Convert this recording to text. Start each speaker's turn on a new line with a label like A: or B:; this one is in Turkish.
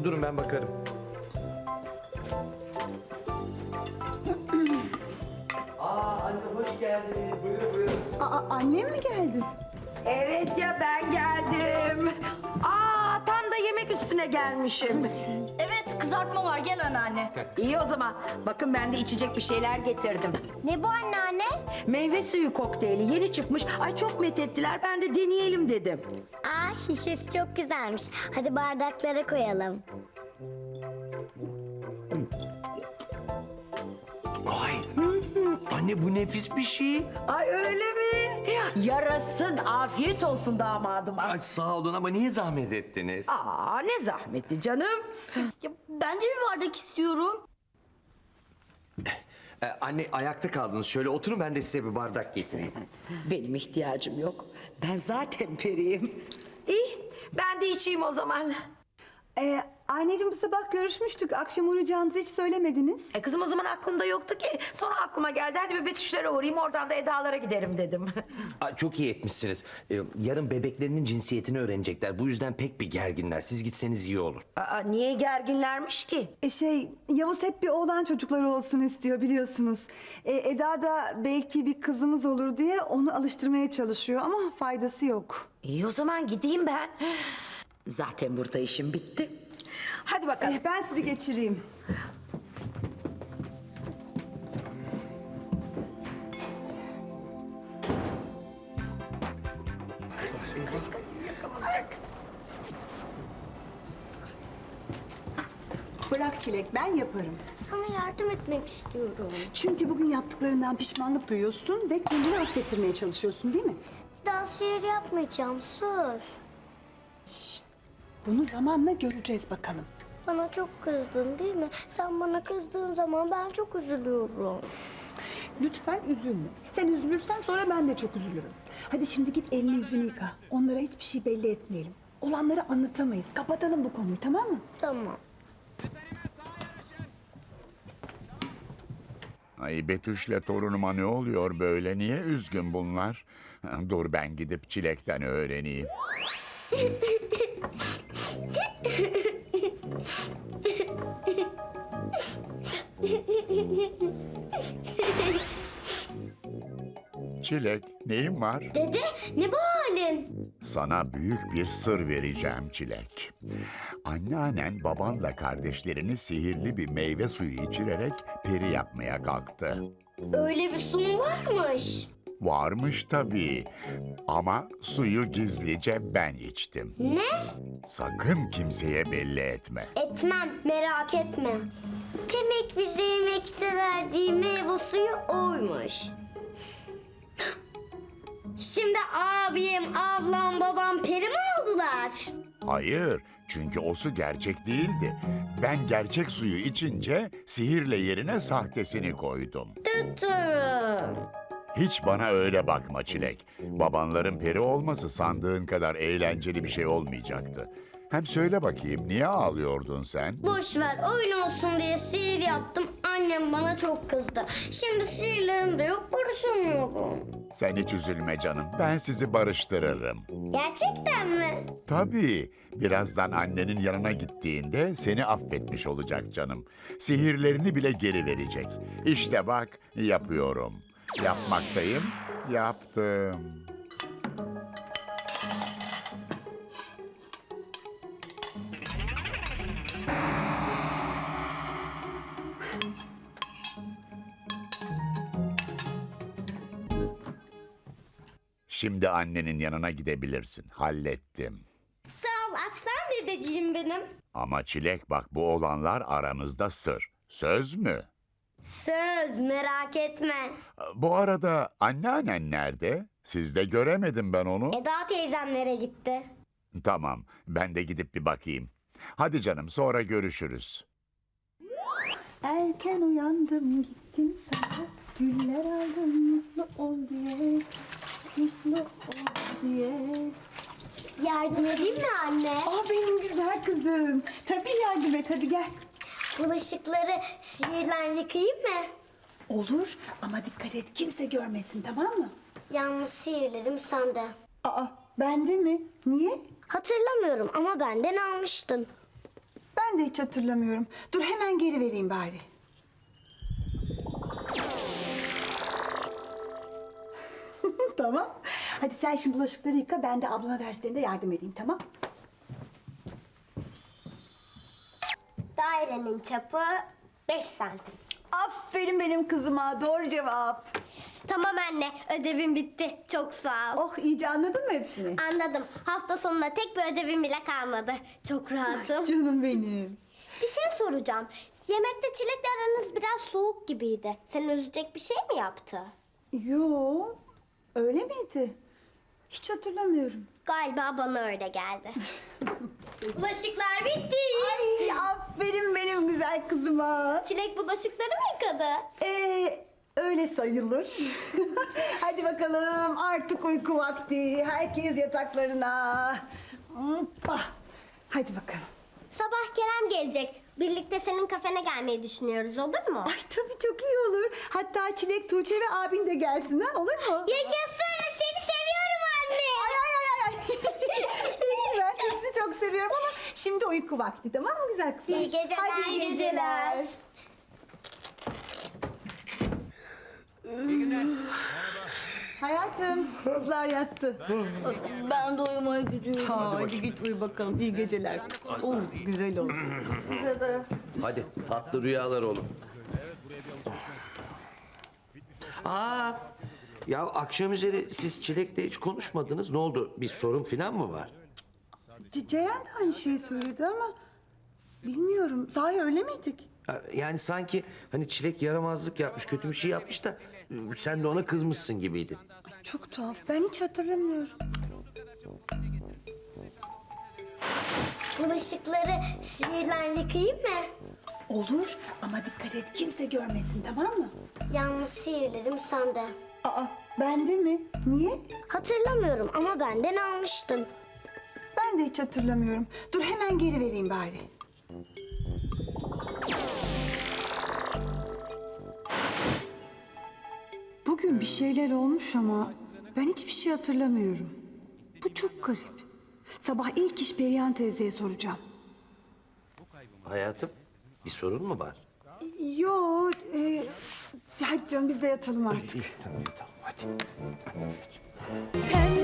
A: durun ben bakarım. Anne hoş geldiniz. Buyurun buyurun.
B: Annem mi geldi?
C: Evet ya, ben geldim. Tam da yemek üstüne gelmişim.
D: Evet, kızartma var. Gel anneanne.
C: İyi o zaman. Bakın ben de içecek bir şeyler getirdim.
E: Ne bu anneanne?
C: Meyve suyu kokteyli yeni çıkmış. Ay çok methettiler, ben de deneyelim dedim.
E: Şişesi çok güzelmiş. Hadi bardaklara koyalım.
A: Ay. Anne bu nefis bir şey.
C: Ay öyle mi? Yarasın, afiyet olsun damadıma.
A: Ay sağ olun ama niye zahmet ettiniz?
C: Ne zahmeti canım.
D: Ya, ben de bir bardak istiyorum.
A: Anne ayakta kaldınız. Şöyle oturun ben de size bir bardak getireyim.
C: Benim ihtiyacım yok. Ben zaten periyim. İyi, ben de içeyim o zaman.
B: Anneciğim bu sabah görüşmüştük. Akşam uğrayacağınızı hiç söylemediniz.
C: Kızım o zaman aklımda yoktu ki. Sonra aklıma geldi. Hadi bir Betüşlere uğrayayım, oradan da Eda'lara giderim dedim.
A: Çok iyi etmişsiniz. Yarın bebeklerinin cinsiyetini öğrenecekler. Bu yüzden pek bir gerginler. Siz gitseniz iyi olur.
C: Niye gerginlermiş ki?
B: Yavuz hep bir oğlan çocukları olsun istiyor biliyorsunuz. Eda da belki bir kızımız olur diye onu alıştırmaya çalışıyor ama faydası yok.
C: İyi o zaman gideyim ben. Zaten burada işim bitti. Hadi bakalım.
B: Ben sizi geçireyim. Bırak Çilek, ben yaparım.
E: Sana yardım etmek istiyorum.
B: Çünkü bugün yaptıklarından pişmanlık duyuyorsun ve kendini affettirmeye çalışıyorsun değil mi?
E: Bir daha sihir yapmayacağım, söz.
B: Bunu zamanla göreceğiz bakalım.
E: Bana çok kızdın değil mi? Sen bana kızdığın zaman ben çok üzülüyorum.
B: Lütfen üzülme. Sen üzülürsen sonra ben de çok üzülürüm. Hadi şimdi git elini yüzünü yıka. Onlara hiçbir şey belli etmeyelim. Olanları anlatamayız. Kapatalım bu konuyu, tamam mı?
E: Tamam.
F: Ay Betüş'le torunuma ne oluyor böyle? Niye üzgün bunlar? Dur ben gidip Çilek'ten öğreneyim. Çilek, neyin var?
E: Dede, ne bu halin?
F: Sana büyük bir sır vereceğim Çilek. Anneannen babanla kardeşlerini sihirli bir meyve suyu içirerek peri yapmaya kalktı.
E: Öyle bir su mu varmış?
F: Varmış tabii. Ama suyu gizlice ben içtim.
E: Ne?
F: Sakın kimseye belli etme.
E: Etmem, merak etme. Demek bize yemekte verdiği meyve suyu oymuş. Şimdi abim, ablam, babam peri mi oldular?
F: Hayır, çünkü o su gerçek değildi. Ben gerçek suyu içince sihirle yerine sahtesini koydum.
E: Tuturum.
F: Hiç bana öyle bakma Çilek. Babanların peri olması sandığın kadar eğlenceli bir şey olmayacaktı. Hem söyle bakayım, niye ağlıyordun sen?
E: Boş ver, oyun olsun diye sihir yaptım. Annem bana çok kızdı. Şimdi sihirlerim de yok, barışamıyorum.
F: Sen hiç üzülme canım, ben sizi barıştırırım.
E: Gerçekten mi?
F: Tabii, birazdan annenin yanına gittiğinde seni affetmiş olacak canım. Sihirlerini bile geri verecek. İşte bak, yapıyorum. Yapmaktayım, yaptım. Şimdi annenin yanına gidebilirsin. Hallettim.
E: Sağ ol aslan dedeciğim benim.
F: Ama Çilek bak bu olanlar aramızda sır. Söz mü?
E: Söz, merak etme.
F: Bu arada anneannen nerede? Sizde göremedim ben onu.
E: Eda teyzemlere gitti.
F: Tamam, ben de gidip bir bakayım. Hadi canım, sonra görüşürüz.
B: Erken uyandım gittim sana. Güller aldım mutlu ol diye. Mutlu ol diye.
E: Yardım edeyim mi anne?
B: Benim güzel kızım. Tabii yardım et, hadi gel.
E: Bulaşıkları sihirle yıkayayım mı?
B: Olur ama dikkat et, kimse görmesin, tamam mı?
E: Yalnız sihirlerim sende.
B: Bende mi? Niye?
E: Hatırlamıyorum ama benden almıştın.
B: Ben Ben de hiç hatırlamıyorum. Dur hemen geri vereyim bari. Tamam. Hadi sen şimdi bulaşıkları yıka, ben de ablana derslerinde yardım edeyim, tamam?
E: Dairenin çapı 5 santim.
B: Aferin benim kızıma, doğru cevap.
E: Tamam anne, ödevim bitti. Çok sağ ol.
B: Oh, iyice anladın mı hepsini?
E: Anladım. Hafta sonunda tek bir ödevim bile kalmadı. Çok rahatım.
B: Canım benim.
E: Bir şey soracağım. Yemekte Çilek'le aranız biraz soğuk gibiydi. Seni üzecek bir şey mi yaptı?
B: Yo, öyle miydi? Hiç hatırlamıyorum.
E: Galiba bana öyle geldi.
D: Bulaşıklar bitti.
B: Ay, aferin benim güzel kızıma.
E: Çilek bulaşıkları mı yıkadı?
B: Öyle sayılır. Hadi bakalım, artık uyku vakti. Herkes yataklarına. Hoppa. Hadi bakalım.
E: Sabah Kerem gelecek. Birlikte senin kafene gelmeyi düşünüyoruz, olur mu?
B: Ay tabii, çok iyi olur. Hatta Çilek, Tuğçe ve abin de gelsin, ha, olur mu?
E: Yaşasın, seni seviyorum anne.
B: Ay. Peki, ben de sizi çok seviyorum ama şimdi uyku vakti, tamam mı güzel kızlar?
E: İyi geceler.
B: Hadi iyi geceler. Hayatım, kızlar yattı.
D: Ben de uyumaya gidiyorum.
B: Hadi git uyu bakalım. İyi geceler. Oh, güzel oldu.
A: Hadi tatlı rüyalar oğlum. Aa, ya akşam üzeri siz Çilek'le hiç konuşmadınız. Ne oldu? Bir sorun falan mı var?
B: Ceren de aynı şeyi söyledi ama bilmiyorum. Sahi öyle miydik?
A: Yani sanki hani Çilek yaramazlık yapmış, kötü bir şey yapmış da sen de ona kızmışsın gibiydi.
B: Ay, çok tuhaf. Ben hiç hatırlamıyorum.
E: Bulaşıkları sihirle yıkayayım mı?
B: Olur ama dikkat et, kimse görmesin, tamam mı?
E: Yalnız sihirlerim sende.
B: Aa, bende mi? Niye?
E: Hatırlamıyorum ama benden almıştın.
B: Ben de hiç hatırlamıyorum. Dur hemen geri vereyim bari. Bugün bir şeyler olmuş ama ben hiçbir şey hatırlamıyorum. Bu çok garip. Sabah ilk iş Perihan teyzeye soracağım.
A: Hayatım, bir sorun mu var?
B: Yo, hadi canım biz de yatalım artık.
A: Tamam, hadi.
G: Hem